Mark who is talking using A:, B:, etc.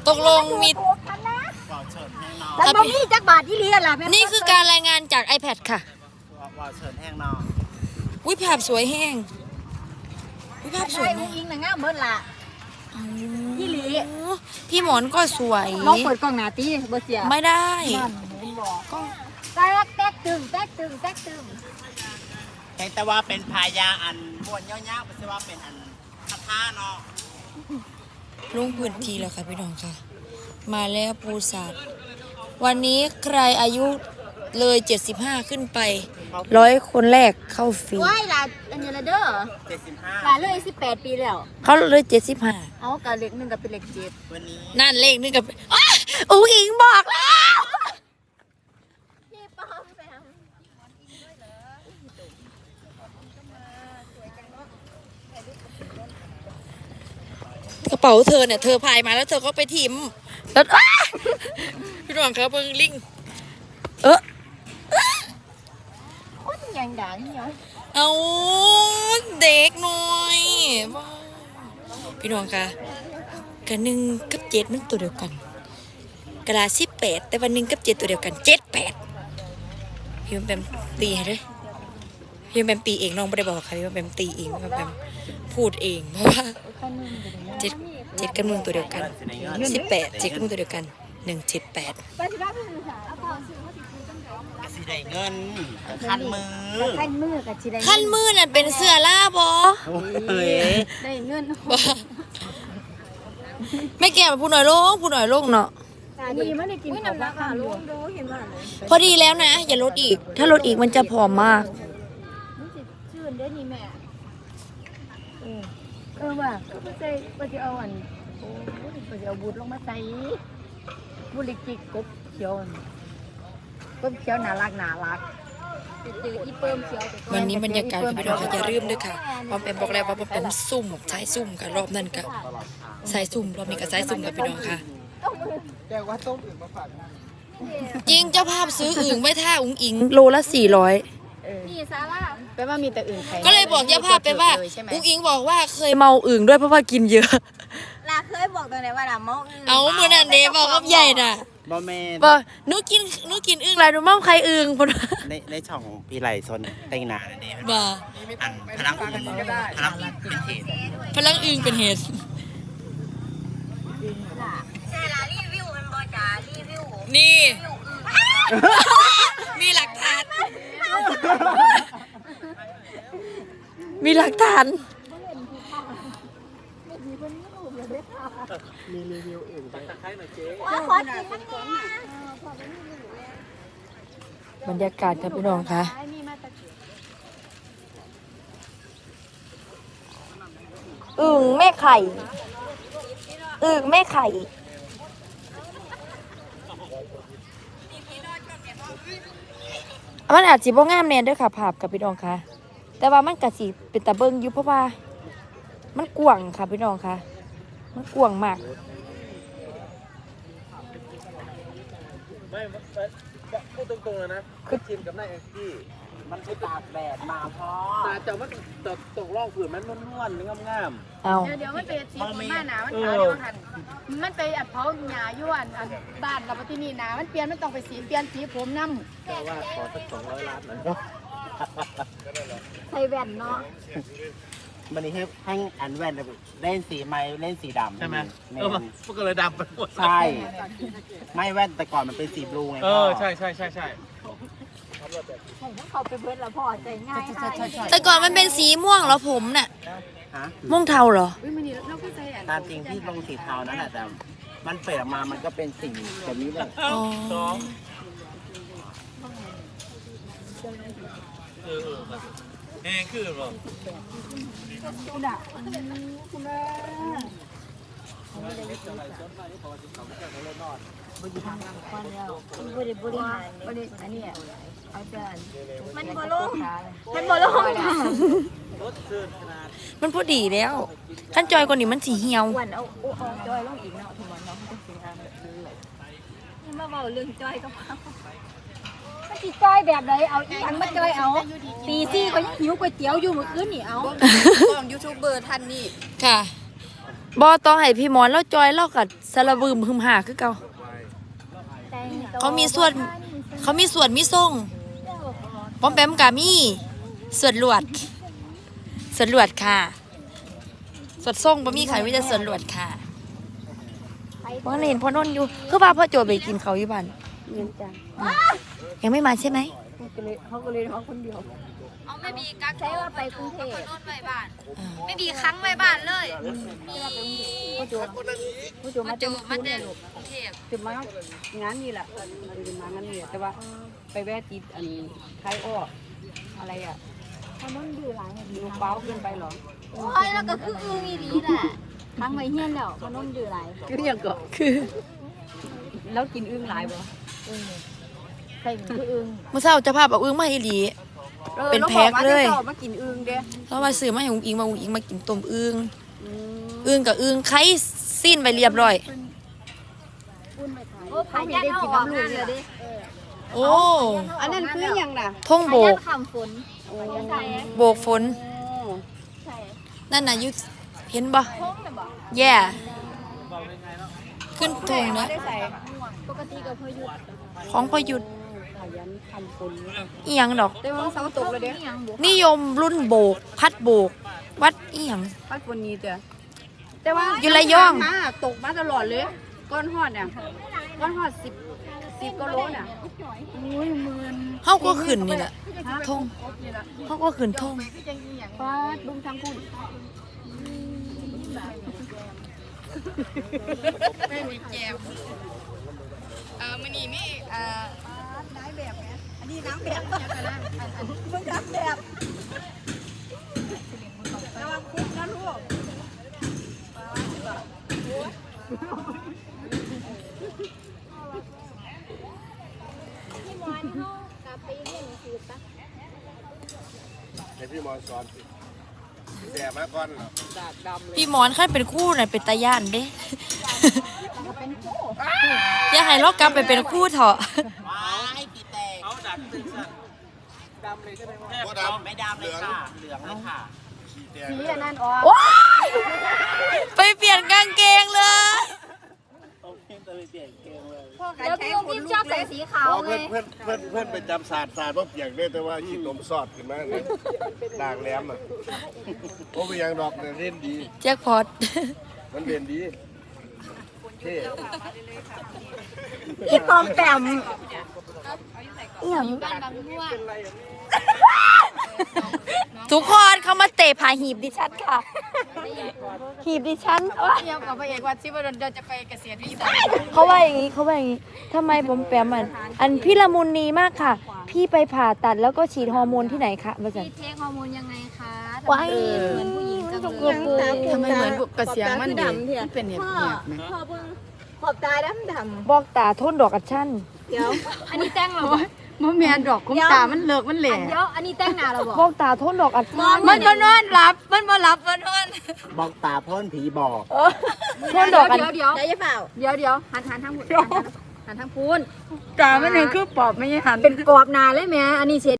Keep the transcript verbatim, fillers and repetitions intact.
A: ตกลงมี
B: แล้วบ่มีจักบาทอีหลีล่ะ
A: นี่คือการรายงานจาก iPad ค่ะ
C: ว่าเชิญแห้งนอ
A: วิภาพสวยแห้งวิภาพสวยมาก
B: อิงน่ะงามเบิดล่ะอีหลี
A: พี่หมอนก็สวย
B: ลองเปิดกล้องหน้าติบ่เสีย
A: ไม่ได้
B: ก็แตกแตกตึงแตกตึงแตกตึง
C: แต่ว่าเป็นพายาอันบวนย่อๆไม่ใช่ว่าเป็นอันคาถาเนาะ
A: ลงพื้นที่แล้วค่ะพี่น้องค่ะมาแล้วปูสัตว์วันนี้ใครอายุเลยเจ็ดสิบห้าขึ้นไปร้อยคนแรกเข้าฟรี
B: ว้ายล่ะอันนี้ละเด้อ
C: เจ็ดสิบห้า
B: ล่ะเลยสิบแปดปีแล้ว
A: เขาเลยเจ็ดสิบห้า
B: เอากะเลขหนึ่งกับเป็นเลขเจ็ด
C: วันนี้
A: นั่นเลขนึงกับอุ้งอิงบอกแล้ว
B: พี่ป้อมแซม
A: กระเป๋าเธอเนี่ยเธอพายมาแล้วเธอก็ไปทิมแล้วพี่น้องครับเบิ้งลิงเออ
B: คนยังด่านี่เหรอ
A: เอาเด็กหน่อยพี่น้องค่ะกันหนึ่งกับเจ็ดมันตัวเดียวกันกระดาษสิบแปดแต่วันหนึ่งกับเจ็ดตัวเดียวกันเจ็ดแปดพี่มันเป็นตีให้ด้วยพี่มันเป็นตีเองน้องไม่ได้บอกค่ะพี่มันเป็นตีเองพี่มันเป็นพูดเองเพราะว่าเจ็ดเจ็ดกับหนึ่งตัวเดียวกันสิบแปดเจ็ดกับหนึ่งตัวเดียวกันหนึ่งเจ็ดแปด
C: สีได้เงินคันมือ
B: คันมือกับชีได้
A: คันมือนั่นเป็นเสื้อล่าบอ
B: ได้เงิน
A: ไม่แก่มาพูดหน่อยโล่งพูดหน่อยโล่งเนาะ
B: ดีไม่ได้กินน้ำราคาลงดูเห็นว่า
A: พอดีแล้วนะอย่าลดอีกถ้าลดอีกมันจะผอมมาก
B: ชื่นได้นี่แม่เออเออว่าก็จะก็จะเอาอันโอ้ก็จะเอาบูดลงมาใส่บุหรี่จิกกบเขียวกบเขียวน่ารักน่ารัก
A: วันนี้บรรยากาศพี่น้องค่ะอย่าลืมด้วยค่ะพอเป็นบอกแล้วว่าเป็นซุ่มใช้ซุ่มกับรอบนั้นกับใช้ซุ่มรอบนี้กับใช้ซุ่มกับพี่น้องค่ะจริงเจ้าภาพซื้ออึ่งไม่ท่าอุ้งอิงโลละสี่ร้อย
B: นี่ซาร่าแปลว่ามีแต่อึ่ง
A: ก็เลยบอกเจ้าภาพไปว่าอุ้งอิงบอกว่าเคยเมาอึ่งด้วยเพราะว่ากินเยอะ
B: ลาเคยบอกตรงไหนว่าลาเมาอึ่ง
A: เอาเมื่อนั้นเดบอกกับใหญ่น่ะ
C: บอแมน
A: บอหนูกินหนูกินอึ่งอะไรหนูเมาใครอึ่งพอ
C: ในในช่องพี่ไหลซนเต็งนาเนี่ย
A: บอ
C: พลังอึ่งพลังอึ่งเป็นเหตุ
A: พลังอึ่งเป็นเหตุ
B: ใช่ละรีวิวมันบอจ่ารีวิว
A: นี่มีหลักฐานมีหลักฐาน
C: มีรีวิวอื่นไปตะไคร้หน่อยเจ๊
B: ขอกินน้ำ
A: แบรรยากาศครับพี่น้องคะอึ่งแม่ไข่อึ่งแม่ไข่มันอาจสิบ่งามแน่ด้วยค่ะภาพกับพี่น้องค่ะแต่ว่ามันกะสิเป็นตาเบิ่งอยู่เพราะว่ามันกว้างค่ะพี่น้องค่ะมันกว้างมาก
C: ไม่พูดตรงๆเลยนะคือทีมกับนายแองจี้มันไปตากแดดมาพอตาแต่ว่าตกตกล่องผืนมันนวลๆงาม
A: ๆเอา
B: เดี๋ยวมันเป็นสีผมหน้าหนามันขาวเดียวกันมันไปอัดเผาหญ้าย้วนอันบ้านกับที่นี่หนามันเปลี่ยนมันต้องไปสีเปลี่ยนสีผมน้ำ
C: แต่ว่าขอสักสองร้อยล้านหน่อย
B: ใส่แว่นเนาะ
C: วันนี้ให้ให้อันแว่นเล่นสีไม้เล่นสีดำใช่ไหมเออมันก็เลยดำไปหมดใช่ไม่แว่นแต่ก่อนมันเป็นสีบลูไง
D: เออใช่ใช่ใช่ใช่
B: เขาไปเบิร์ดแล้วพอใจง่าย
A: แต่ก่อนมันเป็นสีม่วงเหรอผมน่ะม่วงเทาเหรอ
C: ตามจริงที่ลงสีเทานั่นแหละแต่มันเปลี่ยนมามันก็เป็นสีแบบนี้เลย
D: สองเออแห้งขึ้นหรอ
B: คุณอ่ะคุณแม่บริหารก้อนแล้วบริบริหารบริอันนี้อาจารย์มันบอลงมันบอลง
A: มันพอดีแล้วขั้นจอยกว่านี้มันสีเหี่ยว
B: วันเอาเอาจอยลงอีกเนาะถึงวันน้องจะสีงามแบบนี้เลยนี่มาบอกเรื่องจอยกับเขามันสีจอยแบบไหนเอาอีกอันมาจอยเอาตีซี่ก็หิวก๋วยเตี๋ยวอยู่เมื่อคืนนี่เอา
E: กล้องยูทูบเบอร์ท่านนี่
A: ค่ะบ่ต้องให้พี่หมอนแล้วจอยเล่ากับสารบืมหึมหาคือเก่าเขามีส่วนเขามีส่วนมีส่งป้อมแปมกามีส่วนหลวดส่วนหลวดค่ะส่วนส่งบ่มีใครมีแต่ส่วนหลวดค่ะว่าเห็นพ่อนนท์อยู่คือว่าพ่อโจไปกินเขาอยู่บ้าน
B: เงินจ้ะ
A: ยังไม่มาใช่ไหม
B: เขาก็เลยเขาก็เลยเขาคนเดียว
E: เอาไม่มีกัก
B: ใช้ว่าไปกรุงเทพ
E: โน่นไปบ้าน ไม่มีครั้งไปบ้านเลย
B: พ่อโจพ่อโจ
E: มา
B: มา
E: เจ
B: จะ
E: อ
B: มา
E: มา
B: มา
E: เจ
B: เจ
E: อ
B: อก
E: รุงเทพ
B: จะมางานนี่แหละจะมางานนี่แต่ว่าไปแวะติดอันคล้ายอ้ออะไรอ่ะถ้ามันดื้อหลายดูเบ้าเกินไปหรอ
E: โอ้ยแล้วก็คืออือมีดีแหละครั้งไว้เฮียนแล้วมันนุ่มดื้อหลาย
B: คือยังก็คือแล้วกินอึ้งหลายบ่ใส่คืออึ้ง
A: เมื่อเช้าเจะภาพเอาอึ้งมาให้อีหลี เป็นแพ็คเลย
B: ราบอกว่าจะมากินอึ้งเด้
A: แล้วมาซื้อมาให้อุ้งอิงมาอุ้งอิงมากินต้มอึ้งอึ้งกับอึ้งไข่สิ้นไปเรียบร้อย
E: โอ้ผ่านยันเอาออกงานเลยดิ
A: โอ้
B: อันนั้นคือยังน่ะ
A: ท่องโบ
E: ผ่านยั
A: ก
E: นคำฝนใช่
A: โบกฝน
E: ใช่
A: นั่นน่ะอยุเห็นบ่
E: ท้องเลยบอก
A: แย่ขึ้นทงนะ
B: ได้ใส่
E: ปกติก็พอหยุด
A: ของพอหยุด
B: ขยันทำคน
A: อีหยังดอก
B: แต่ว่าเสาตกเลยเด้
E: นี่ยังบุก
A: นิยมรุ่นโบก พัดโบก วัดอีหยัง
B: พัดฝนนี้จ้ะแต่ว่า
A: อยู่ระยอง
B: มาตกมาตลอดเลย ก้อนหอดเนี่ยก้อนหอดสิบสิบกิโลน่ะอุ้ยหมื่น
A: เฮาก็ขึ้นนี่แหละทงเฮาก็ขึ้นทง
B: ฟาดบุ้งทั้งคุณ
A: ไม่มีแก้วเอ่อมื้อนี้มีเอ่อ
B: น้ำแบบเนี่ยอันนี้น้ำแบบเนี่ยกันนะมึงน้ำแบบระวังคุกนะลูก
E: พี่มอนเขากลับไปเรียนหนังสือปะ
C: ให้พี่มอนสอนสิแย่มาก่อนเหรอ
B: ดาดดำเลย
A: พี่หมอนคันเป็นคู่น่ะเป็นตาย่านเด้ อย่าให้เรากลับไปเป็นคู่เถอะ
D: เอาดัดตึงสั่นดำเลยใช่ไหมแม่
C: บ่ดำไม่ดำเลยค่ะเหลืองเลยค่ะขี้แดง
B: สีอันนั้นออก
A: ว้ายไปเปลี่ยนกางเกงเลย
C: เอาเพี้ยนตะไปเปลี่ยนเกงเลย
E: แล้วพี่อุ้มพี่ชอบใส่สีขาว
C: อ๋อ
E: เล
C: เพื่อน
E: ย
C: เพื่อนเพื่อนเพื่อนไปจำศาสตร์ศาสตร์ว่าเปียกได้แต่ว่าขี้นมสอดขึ้นมาเนี่ยด่างแหลมอ่ะโอ้ไปยังดอกเนี่ยเล่นดี
A: แจ็คพอต
C: มันเล่นดีเท่
B: อีปอมแปม
A: อีหยัง
E: บ้านบางม่วง
A: ทุกคนเขามาเตะผาหีบดิฉันค่ะ หีบดิฉันโอ๊ย
B: เที่ยวกับพระเอกวัดชิวดลเดินจะไปเกษียณวิสัย
A: เขาว่าอย่างนี้เขาว่าอย่างนี้ทำไมผมแปมอันอันพี่ละมุนนีมากค่ะ พี่ไปผ่าตัดแล้วก็ฉีดฮอร์โมนที่ไหนคะมาจัน
E: พี่เทคฮอร์โมนยังไงคะทำไม
A: ว้าย
E: เหมือนผู้หญิงจังเลย
B: ทำไมเหมือนกระเสียงมันดีเป็นเห็บเหียบไหม
E: พ่อเพิ่ง
B: ขอบตาดำดำ
A: บอกตาโทนดอกกัดชั่น
B: เดี๋ยว
E: อันนี้แต่งเหรอ
B: มันแมนดอกคุ้มตามันเลิกมันแหล่
E: เดี๋ยวอันนี้แต่งหน้าเหราบอก
A: บอกตาโทนดอกกัดชั่น
B: มันมานอนหลับ มันมาหลับมานอน
C: บอกตาพ่นผีบอก
A: โทนดอกกัด
E: เดี๋ยวเดี๋ยว
B: ได้ยังเปล่า
E: เดี๋ยวเดี๋ยวหันหันทางหันหันทางพูน
B: ตามันเห็นคือปอบไม่ใช่หัน
E: เป็นกรอบหนาเลยแม่อันนี้เช็ด